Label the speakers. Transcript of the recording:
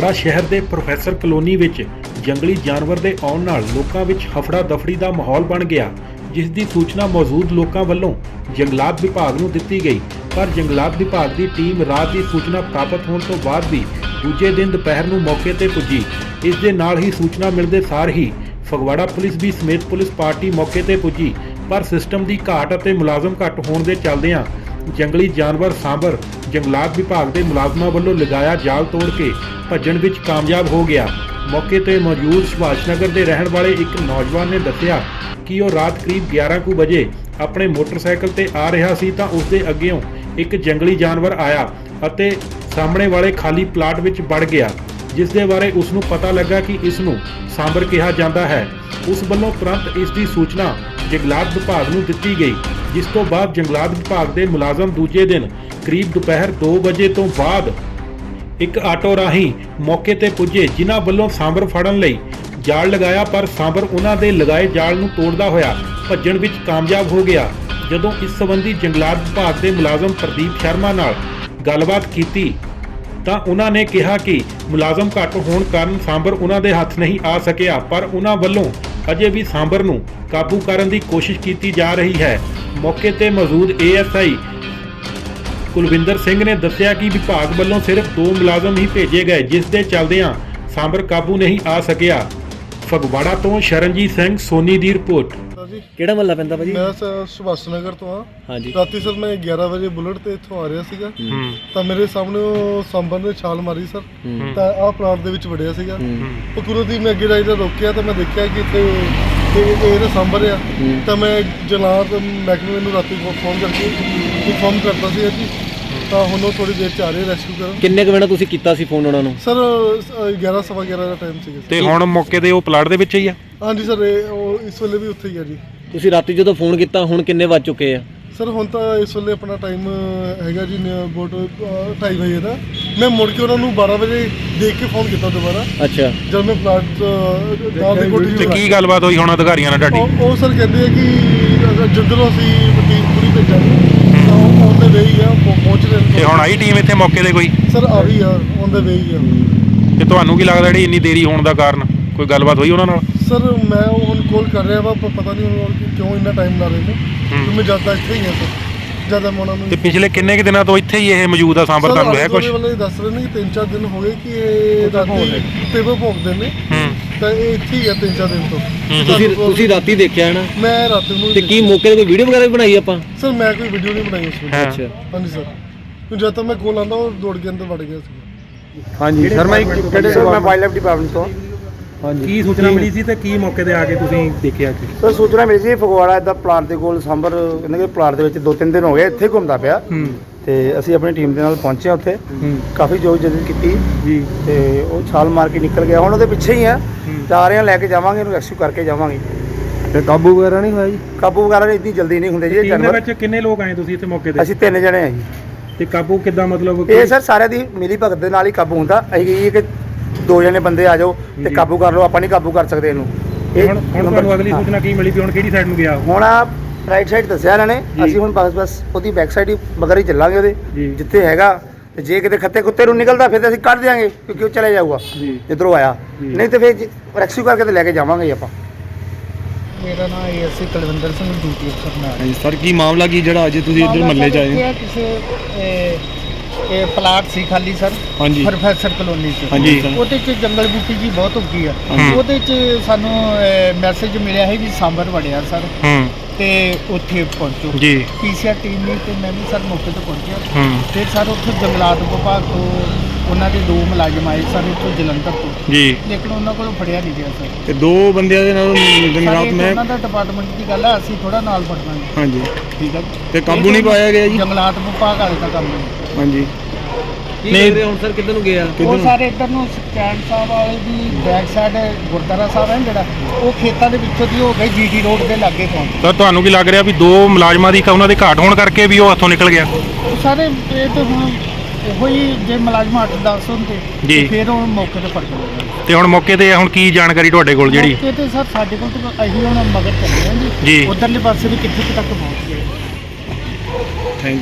Speaker 1: ਫਗਵਾੜਾ ਸ਼ਹਿਰ ਦੇ professor colony ਵਿੱਚ ਜੰਗਲੀ ਜਾਨਵਰ ਦੇ ਆਉਣ ਨਾਲ ਲੋਕਾਂ ਵਿੱਚ ਹਫੜਾ ਦਫੜੀ ਦਾ ਮਾਹੌਲ ਬਣ ਗਿਆ, ਜਿਸ ਦੀ ਸੂਚਨਾ ਮੌਜੂਦ ਲੋਕਾਂ ਵੱਲੋਂ ਜੰਗਲਾਤ ਵਿਭਾਗ ਨੂੰ ਦਿੱਤੀ ਗਈ। ਪਰ ਜੰਗਲਾਤ ਵਿਭਾਗ ਦੀ ਟੀਮ ਰਾਤ ਦੀ ਸੂਚਨਾ ਪ੍ਰਾਪਤ ਹੋਣ ਤੋਂ ਬਾਅਦ ਵੀ ਦੂਜੇ ਦਿਨ ਦੁਪਹਿਰ ਨੂੰ ਮੌਕੇ ਤੇ ਪੁੱਜੀ। ਇਸ ਦੇ ਨਾਲ ਹੀ ਸੂਚਨਾ ਮਿਲਦੇ ਸਾਰ ਹੀ ਫਗਵਾੜਾ ਪੁਲਿਸ ਵੀ ਸਮੇਤ ਪੁਲਿਸ ਪਾਰਟੀ ਮੌਕੇ ਤੇ ਪੁੱਜੀ, ਪਰ ਸਿਸਟਮ ਦੀ ਘਾਟ ਅਤੇ ਮੁਲਾਜ਼ਮ ਘੱਟ ਹੋਣ ਦੇ ਚੱਲਦਿਆਂ ਜੰਗਲੀ ਜਾਨਵਰ ਸਾਂਭਰ ਜੰਗਲਾਤ ਵਿਭਾਗ ਦੇ ਮੁਲਾਜ਼ਮਾਂ ਵੱਲੋਂ ਲਗਾਇਆ ਜਾਲ ਤੋੜ ਕੇ ਭੱਜਣ ਵਿੱਚ ਕਾਮਯਾਬ ਹੋ ਗਿਆ। ਮੌਕੇ ਤੇ ਮੌਜੂਦ ਸੁਭਾਸ਼ ਨਗਰ ਦੇ ਰਹਿਣ ਵਾਲੇ ਇੱਕ ਨੌਜਵਾਨ ਨੇ ਦੱਸਿਆ ਕਿ ਉਹ ਰਾਤ ਕਰੀਬ 11 ਕੁ ਵਜੇ ਆਪਣੇ ਮੋਟਰਸਾਈਕਲ ਤੇ ਆ ਰਿਹਾ ਸੀ ਤਾਂ ਉਸ ਦੇ ਅੱਗੇੋਂ ਇੱਕ ਜੰਗਲੀ ਜਾਨਵਰ ਆਇਆ ਅਤੇ ਸਾਹਮਣੇ ਵਾਲੇ ਖਾਲੀ ਪਲਾਟ ਵਿੱਚ ਵੜ ਗਿਆ, ਜਿਸ ਦੇ ਬਾਰੇ ਉਸ ਨੂੰ ਪਤਾ ਲੱਗਾ ਕਿ ਇਸ ਨੂੰ ਸਾਂਭਰ ਕਿਹਾ ਜਾਂਦਾ ਹੈ। ਉਸ ਵੱਲੋਂ ਤੁਰੰਤ ਇਸ ਦੀ ਸੂਚਨਾ ਜੰਗਲਾਤ ਵਿਭਾਗ ਨੂੰ ਦਿੱਤੀ ਗਈ, ਜਿਸ ਤੋਂ ਬਾਅਦ ਜੰਗਲਾਤ ਵਿਭਾਗ ਦੇ ਮੁਲਾਜ਼ਮ ਦੂਜੇ ਦਿਨ ਕਰੀਬ ਦੁਪਹਿਰ 2 ਵਜੇ ਤੋਂ ਬਾਅਦ ਇੱਕ ਆਟੋ ਰਾਹੀਂ ਮੌਕੇ ਤੇ ਪੁੱਜੇ, ਜਿਨ੍ਹਾਂ ਵੱਲੋਂ ਸਾਂਭਰ ਫੜਨ ਲਈ ਜਾਲ ਲਗਾਇਆ, ਪਰ ਸਾਂਭਰ ਉਹਨਾਂ ਦੇ ਲਗਾਏ ਜਾਲ ਨੂੰ ਤੋੜਦਾ ਹੋਇਆ ਭੱਜਣ ਵਿੱਚ ਕਾਮਯਾਬ ਹੋ ਗਿਆ। ਜਦੋਂ ਇਸ ਸੰਬੰਧੀ ਜੰਗਲਾਤ ਵਿਭਾਗ ਦੇ ਮੁਲਾਜ਼ਮ ਪ੍ਰਦੀਪ ਸ਼ਰਮਾ ਨਾਲ ਗੱਲਬਾਤ ਕੀਤੀ ਤਾਂ ਉਹਨਾਂ ਨੇ ਕਿਹਾ ਕਿ ਮੁਲਾਜ਼ਮ ਘੱਟ ਹੋਣ ਕਾਰਨ ਸਾਂਭਰ ਉਹਨਾਂ ਦੇ ਹੱਥ ਨਹੀਂ ਆ ਸਕਿਆ, ਪਰ ਉਹਨਾਂ ਵੱਲੋਂ ਅਜੇ ਵੀ ਸਾਂਭਰ ਨੂੰ ਕਾਬੂ ਕਰਨ ਦੀ ਕੋਸ਼ਿਸ਼ ਕੀਤੀ ਜਾ ਰਹੀ ਹੈ। ਮੌਕੇ ਤੇ ਮੌਜੂਦ ਏਐਸਆਈ ਕੁਲਵਿੰਦਰ ਸਿੰਘ ਨੇ ਦੱਸਿਆ ਕਿ ਵਿਭਾਗ ਵੱਲੋਂ ਸਿਰਫ 2 ਮੁਲਾਜ਼ਮ ਹੀ ਭੇਜੇ ਗਏ, ਜਿਸ ਦੇ ਚੱਲਦਿਆਂ ਸਾਂਭਰ ਕਾਬੂ ਨਹੀਂ ਆ ਸਕਿਆ। ਫਗਵਾੜਾ ਤੋਂ ਸ਼ਰਨਜੀਤ ਸਿੰਘ ਸੋਨੀ ਦੀ ਰਿਪੋਰਟ।
Speaker 2: ਕਿਹੜਾ ਮਹੱਲਾ ਪੈਂਦਾ ਭਾਜੀ?
Speaker 3: ਮੈਂ ਸੁਭਾਸ਼ ਨਗਰ ਤੋਂ ਆ।
Speaker 2: ਹਾਂਜੀ।
Speaker 3: ਰਾਤੀ ਸਰ ਮੈਂ 11 ਵਜੇ ਬੁਲਟ ਤੇ ਇੱਥੋਂ ਆ ਰਿਹਾ ਸੀਗਾ ਤਾਂ ਮੇਰੇ ਸਾਹਮਣੇ ਉਹ ਸਾਂਭਰ ਨੇ ਛਾਲ ਮਾਰੀ ਸਰ, ਤਾਂ ਆਹ ਪਲਾਟ ਦੇ ਵਿੱਚ ਵੜਿਆ ਸੀਗਾ। ਉਹ ਕੁਦਰਤੀ ਮੈਂ ਅੱਗੇ ਰਾਈਡਰ ਰੋਕਿਆ ਤਾਂ ਮੈਂ ਦੇਖਿਆ ਕਿ ਇੱਥੇ ਇਹ ਸਾਂਭਰ ਆ, ਤਾਂ ਮੈਂ ਜਲਾਦ ਮਹਿਕਮੇ ਨੂੰ ਰਾਤੀ ਫੋਨ ਕਰਕੇ ਇਨਫੋਰਮ ਕਰਤਾ ਸੀ ਜੀ, ਤਾਂ ਹੁਣ ਉਹ ਥੋੜੀ ਦੇਰ ਚ ਆ ਰਹੇ ਰੈਸਕਿਊ ਕਰਨ।
Speaker 2: ਕਿੰਨੇ ਕੁ ਮਿੰਟ ਤੁਸੀਂ ਕੀਤਾ ਸੀ ਫੋਨ ਉਹਨਾਂ ਨੂੰ?
Speaker 3: ਸਰ 11 ਸਵਾ 11 ਦਾ ਟਾਈਮ ਸੀਗਾ।
Speaker 1: ਤੇ ਹੁਣ ਮੌਕੇ ਤੇ ਉਹ ਪਲਾਟ ਦੇ ਵਿੱਚ ਹੀ ਆ?
Speaker 3: ਹਾਂਜੀ ਸਰ, ਉਹ ਇਸ ਵੇਲੇ ਵੀ ਉੱਥੇ ਹੀ ਆ ਜੀ।
Speaker 2: ਤੁਸੀਂ ਰਾਤੀ ਜਦੋਂ ਫੋਨ ਕੀਤਾ ਹੁਣ ਕਿੰਨੇ ਵੱਜ ਚੁੱਕੇ ਆ?
Speaker 3: ਸਰ ਹੁਣ ਤਾਂ ਇਸ ਵੇਲੇ ਆਪਣਾ ਟਾਈਮ ਹੈਗਾ ਜੀ ਅਬਾਊਟ 2:30 ਵਜੇ ਦਾ। ਮੈਂ ਮੁੜ ਕੇ ਉਹਨਾਂ ਨੂੰ 12 ਵਜੇ ਦੇਖ ਕੇ ਫੋਨ ਕੀਤਾ ਦੁਬਾਰਾ। ਅੱਛਾ। ਜਦ ਮੈਂ ਪਲਾਟ ਨਾਲ ਦੀ ਕੋਠੀ
Speaker 1: ਤੇ ਕੀ ਗੱਲਬਾਤ ਹੋਈ ਹੁਣ ਅਧਿਕਾਰੀਆਂ ਨਾਲ ਤੁਹਾਡੀ?
Speaker 3: ਉਹ ਸਰ ਕਹਿੰਦੇ ਆ ਕਿ ਜੰਗਲੋਂ ਅਸੀਂ ਟੀਮ ਪੂਰੀ ਭੇਜਾਂਗੇ, ਤਾਂ ਉਹ ਔਨ ਦਾ ਵੇ ਹੀ ਆ, ਪਹੁੰਚ ਰਹੇ ਨੇ।
Speaker 1: ਤੇ ਹੁਣ ਆਈ ਟੀਮ ਇੱਥੇ ਮੌਕੇ ਤੇ ਕੋਈ?
Speaker 3: ਸਰ ਆ ਰਹੀ ਆ, ਔਨ ਦਾ ਵੇ ਹੀ ਆ।
Speaker 1: ਤੇ ਤੁਹਾਨੂੰ ਕੀ ਲੱਗਦਾ ਜਿਹੜੀ ਇੰਨੀ ਦੇਰੀ ਹੋਣ ਦਾ ਕਾਰਨ? ਕੋਈ ਗੱਲਬਾਤ ਹੋਈ ਉਹਨਾਂ ਨਾਲ?
Speaker 3: ਸਰ ਮੈਂ ਹੁਣ ਕਾਲ ਕਰ ਰਿਹਾ ਵਾ, ਪਤਾ ਨਹੀਂ ਹੁਣ ਕਿਉਂ ਇੰਨਾ ਟਾਈਮ ਲਾ ਰਹੇ ਨੇ, ਕਿਉਂਕਿ ਮੈਂ ਜ਼ਿਆਦਾ ਇੱਥੇ ਹੀ ਹਾਂ ਸਰ, ਜ਼ਿਆਦਾ ਮੈਂ ਉਹਨਾਂ ਨੂੰ।
Speaker 1: ਤੇ ਪਿਛਲੇ ਕਿੰਨੇ ਕੁ ਦਿਨਾਂ ਤੋਂ ਇੱਥੇ ਹੀ ਇਹ ਮੌਜੂਦ ਆ ਸਾਂਭਰ? ਤੁਹਾਨੂੰ ਹੈ ਕੁਝ?
Speaker 3: ਵਾਲੇ ਦੱਸ ਰਹੇ ਨੇ ਕਿ 3-4 ਦਿਨ ਹੋ ਗਏ ਕਿ ਇਹ ਰਾਤੀ ਟੇਬਲ ਭੋਗਦੇ ਨੇ, ਤਾਂ ਇਹ ਇੱਥੇ ਹੀ ਆ 3-4 ਦਿਨ ਤੋਂ।
Speaker 2: ਤੁਸੀਂ ਰਾਤੀ ਦੇਖਿਆ ਹੈ ਨਾ? ਮੈਂ
Speaker 3: ਰਾਤ ਨੂੰ।
Speaker 2: ਤੇ ਕੀ ਮੌਕੇ ਤੇ ਕੋਈ ਵੀਡੀਓ ਵਗੈਰਾ ਵੀ ਬਣਾਈ ਆਪਾਂ?
Speaker 3: ਸਰ ਮੈਂ ਕੋਈ ਵੀਡੀਓ ਨਹੀਂ ਬਣਾਈ ਉਸ ਵੇਲੇ।
Speaker 2: ਅੱਛਾ।
Speaker 3: ਹਾਂਜੀ ਸਰ, ਜਦ ਤੱਕ ਮੈਂ ਕੋਲ ਆਂਦਾ ਉਹ ਦੌੜ ਕੇ ਅੰਦਰ ਵੜ ਗਿਆ ਸੀ।
Speaker 4: ਹਾਂਜੀ ਸਰ, ਮੈਂ ਵਾਈਲਡ ਲਾਈਫ ਡਿਪਾਰਟਮੈਂਟ ਤੋਂ।
Speaker 1: ਹਾਂਜੀ। ਕੀ ਸੂਚਨਾ ਮਿਲੀ ਸੀ ਤੇ ਕੀ ਮੌਕੇ ਤੇ ਆ ਕੇ ਤੁਸੀਂ ਦੇਖਿਆ?
Speaker 4: ਸਰ ਸੂਚਨਾ ਮਿਲੀ ਸੀ ਫਗਵਾੜਾ ਇੱਦਾਂ ਪਲਾਟ ਦੇ ਕੋਲ ਸਾਂਭਰ, ਕਹਿੰਦੇ ਕਿ ਪਲਾਟ ਦੇ ਵਿੱਚ 2-3 ਦਿਨ ਹੋ ਗਏ ਇੱਥੇ ਘੁੰਮਦਾ ਪਿਆ, ਤੇ ਅਸੀਂ ਆਪਣੀ ਟੀਮ ਦੇ ਨਾਲ ਪਹੁੰਚੇ ਉੱਥੇ, ਕਾਫੀ ਜੋਤ ਜਦid ਕੀਤੀ ਜੀ, ਤੇ ਉਹ ਛਾਲ ਮਾਰ ਕੇ ਨਿਕਲ ਗਿਆ। ਹੁਣ ਉਹਦੇ ਪਿੱਛੇ ਹੀ ਆ, ਜਾ ਰਹੇ ਹਾਂ, ਲੈ ਕੇ ਜਾਵਾਂਗੇ ਇਹਨੂੰ, ਰੈਸਕਿਊ ਕਰਕੇ ਜਾਵਾਂਗੇ।
Speaker 2: ਤੇ ਕਾਬੂ ਵਗੈਰਾ ਨਹੀਂ ਹੋਇਆ ਜੀ?
Speaker 4: ਕਾਬੂ ਵਗੈਰਾ ਇੰਨੀ ਜਲਦੀ ਨਹੀਂ ਹੁੰਦੇ ਜੀ ਇਹ ਜਾਨਵਰ।
Speaker 1: ਵਿੱਚ ਕਿੰਨੇ ਲੋਕ ਆਏ ਤੁਸੀਂ ਇੱਥੇ ਮੌਕੇ ਤੇ?
Speaker 4: ਅਸੀਂ 3 ਜਣੇ ਆ ਜੀ।
Speaker 1: ਤੇ ਕਾਬੂ ਕਿੱਦਾਂ, ਮਤਲਬ?
Speaker 4: ਇਹ ਸਰ ਸਾਰਿਆਂ ਦੀ ਮਿਲੀ ਭਗਤ ਦੇ ਨਾਲ ਹੀ ਕਾਬੂ ਹੁੰਦਾ। ਅਸੀਂ ਕਹੀਏ ਕਿ 2 ਜਣੇ ਬੰਦੇ ਆ ਜਾਓ ਤੇ ਕਾਬੂ ਕਰ ਲਓ, ਆਪਾਂ ਨਹੀਂ ਕਾਬੂ ਕਰ ਸਕਦੇ ਇਹਨੂੰ।
Speaker 1: ਹੁਣ ਤੁਹਾਨੂੰ ਅਗਲੀ ਸੂਚਨਾ ਕੀ ਮਿਲੀ ਵੀ ਹੁਣ ਕਿਹੜੀ ਸਾਈਡ ਨੂੰ ਗਿਆ?
Speaker 4: ਹੁਣ ਰਾਈਟ ਸਾਈਡ ਦੱਸਿਆ ਇਹਨਾਂ ਨੇ, ਅਸੀਂ ਹੁਣ ਬਸ ਉਹਦੀ ਬੈਕ ਸਾਈਡ ਹੀ ਮਗਰ ਹੀ ਚੱਲਾਂਗੇ ਉਹਦੇ, ਜਿੱਥੇ ਹੈਗਾ। ਤੇ ਜੇ ਕਿਤੇ ਖੱਤੇ ਕੁੱਤੇ ਨੂੰ ਨਿਕਲਦਾ ਫਿਰ ਤਾਂ ਅਸੀਂ ਕੱਢ ਦਿਆਂਗੇ, ਕਿਉਂਕਿ ਉਹ ਚਲੇ ਜਾਊਗਾ ਜਿੱਧਰੋਂ ਆਇਆ, ਨਹੀਂ ਤੇ ਫਿਰ ਰੈਸਕਿਊ ਕਰਕੇ ਤੇ ਲੈ ਕੇ ਜਾਵਾਂਗੇ ਆਪਾਂ।
Speaker 5: ਮੇਰਾ ਨਾਮ ਏਐਸਆਈ ਕੁਲਵਿੰਦਰ ਸਿੰਘ, ਡਿਊਟੀ ਅਫਸਰ ਨਾਲ।
Speaker 2: ਸਰ ਕੀ ਮਾਮਲਾ ਕੀ ਜਿਹੜਾ ਅੱਜ ਤੁਸੀਂ ਇੱਧਰ ਮਹੱਲੇ 'ਚ ਆਏ?
Speaker 5: ਕਿਸੇ ਇਹ ਪਲਾਟ ਸੀ ਖਾਲੀ ਸਰ, ਪ੍ਰੋਫੈਸਰ ਕਲੋਨੀ 'ਚ। ਉਹਦੇ 'ਚ ਜੰਗਲ ਬੂਟੀ ਜੀ ਬਹੁਤ ਉੱਗੀ ਆ। ਉਹਦੇ 'ਚ ਸਾਨੂੰ ਮੈਸੇਜ ਮਿਲਿਆ ਹੈ ਵੀ ਸਾਂਭਰ ਵੜਿਆ ਸਰ, ਤੇ ਉੱਥੇ ਪਹੁੰਚੋ ਜੀ। ਪੀਸੀਆਰ ਟੀਮ ਨੇ ਤੇ ਮੈਂ ਵੀ ਸਰ ਮੌਕੇ ਤੇ ਪਹੁੰਚਿਆ। ਤੇ ਸਰ ਉੱਥੇ ਜੰਗਲਾਤ ਵਿਭਾਗ ਤੋਂ ਉਹਨਾਂ ਦੇ 2 ਮੁਲਾਜ਼ਮ ਆਏ ਸਰ, ਉੱਥੋਂ ਜਲੰਧਰ ਤੋਂ ਜੀ, ਲੇਕਿਨ ਉਹਨਾਂ ਕੋਲੋਂ ਫੜਿਆ ਨਹੀਂ ਗਿਆ ਸਰ।
Speaker 2: ਤੇ 2 ਬੰਦਿਆਂ ਦੇ ਨਾਲ ਜੰਗਲਾਤ ਮੈਂ
Speaker 5: ਉਹਨਾਂ ਦਾ ਡਿਪਾਰਟਮੈਂਟ ਦੀ ਗੱਲ ਹੈ, ਅਸੀਂ ਥੋੜਾ ਨਾਲ ਫੜਾਂਗੇ।
Speaker 2: ਹਾਂਜੀ
Speaker 5: ਠੀਕ ਹੈ।
Speaker 2: ਤੇ ਕਾਬੂ ਨਹੀਂ ਪਾਇਆ ਗਿਆ ਜੀ?
Speaker 5: ਜੰਗਲਾਤ ਵਿਭਾਗ ਵਾਲੇ ਦਾ ਕੰਮ ਨਹੀਂ।
Speaker 2: ਹਾਂਜੀ।
Speaker 5: ਨਹੀਂ ਹੁਣ ਸਰ ਕਿੱਧਰ ਨੂੰ ਗਿਆ? ਉਹ ਸਾਰੇ ਇੱਧਰ ਨੂੰ ਸਟੈਂਡ ਸਾਹਿਬ ਵਾਲੇ ਦੀ ਬੈਕ ਸਾਈਡ ਗੁਰਦੁਆਰਾ ਸਾਹਿਬ ਹੈ ਜਿਹੜਾ, ਉਹ ਖੇਤਾਂ ਦੇ ਵਿੱਚੋਂ ਦੀ ਹੋ ਗਈ ਜੀਟੀ ਰੋਡ ਦੇ ਲਾਗੇ ਪਹੁੰਚ।
Speaker 1: ਤਾਂ ਤੁਹਾਨੂੰ ਕੀ ਲੱਗ ਰਿਹਾ ਵੀ 2 ਮੁਲਾਜ਼ਮਾਂ ਦੀ ਉਹਨਾਂ ਦੇ ਘਾਟ ਹੋਣ ਕਰਕੇ ਵੀ ਉਹ ਹੱਥੋਂ ਨਿਕਲ ਗਿਆ?
Speaker 5: ਸਾਰੇ ਇਹ ਤਾਂ ਹੁਣ ਇਹੋ ਹੀ, ਜੇ ਮੁਲਾਜ਼ਮ 8-10 ਹੁੰਦੇ ਤੇ ਫਿਰ ਉਹ ਮੌਕੇ ਤੇ ਫੜ ਕੇ।
Speaker 1: ਤੇ ਹੁਣ ਮੌਕੇ ਤੇ ਹੁਣ ਕੀ ਜਾਣਕਾਰੀ ਤੁਹਾਡੇ ਕੋਲ ਜਿਹੜੀ?
Speaker 5: ਮੌਕੇ ਤੇ ਸਰ ਸਾਡੇ ਕੋਲ ਤਾਂ ਅਸੀਂ ਹੁਣ ਮਗਰ ਚੱਲੇ ਹਾਂ ਜੀ, ਉਧਰਲੇ ਪਾਸੇ ਵੀ ਕਿੱਥੇ ਤੱਕ ਪਹੁੰਚ ਗਏ।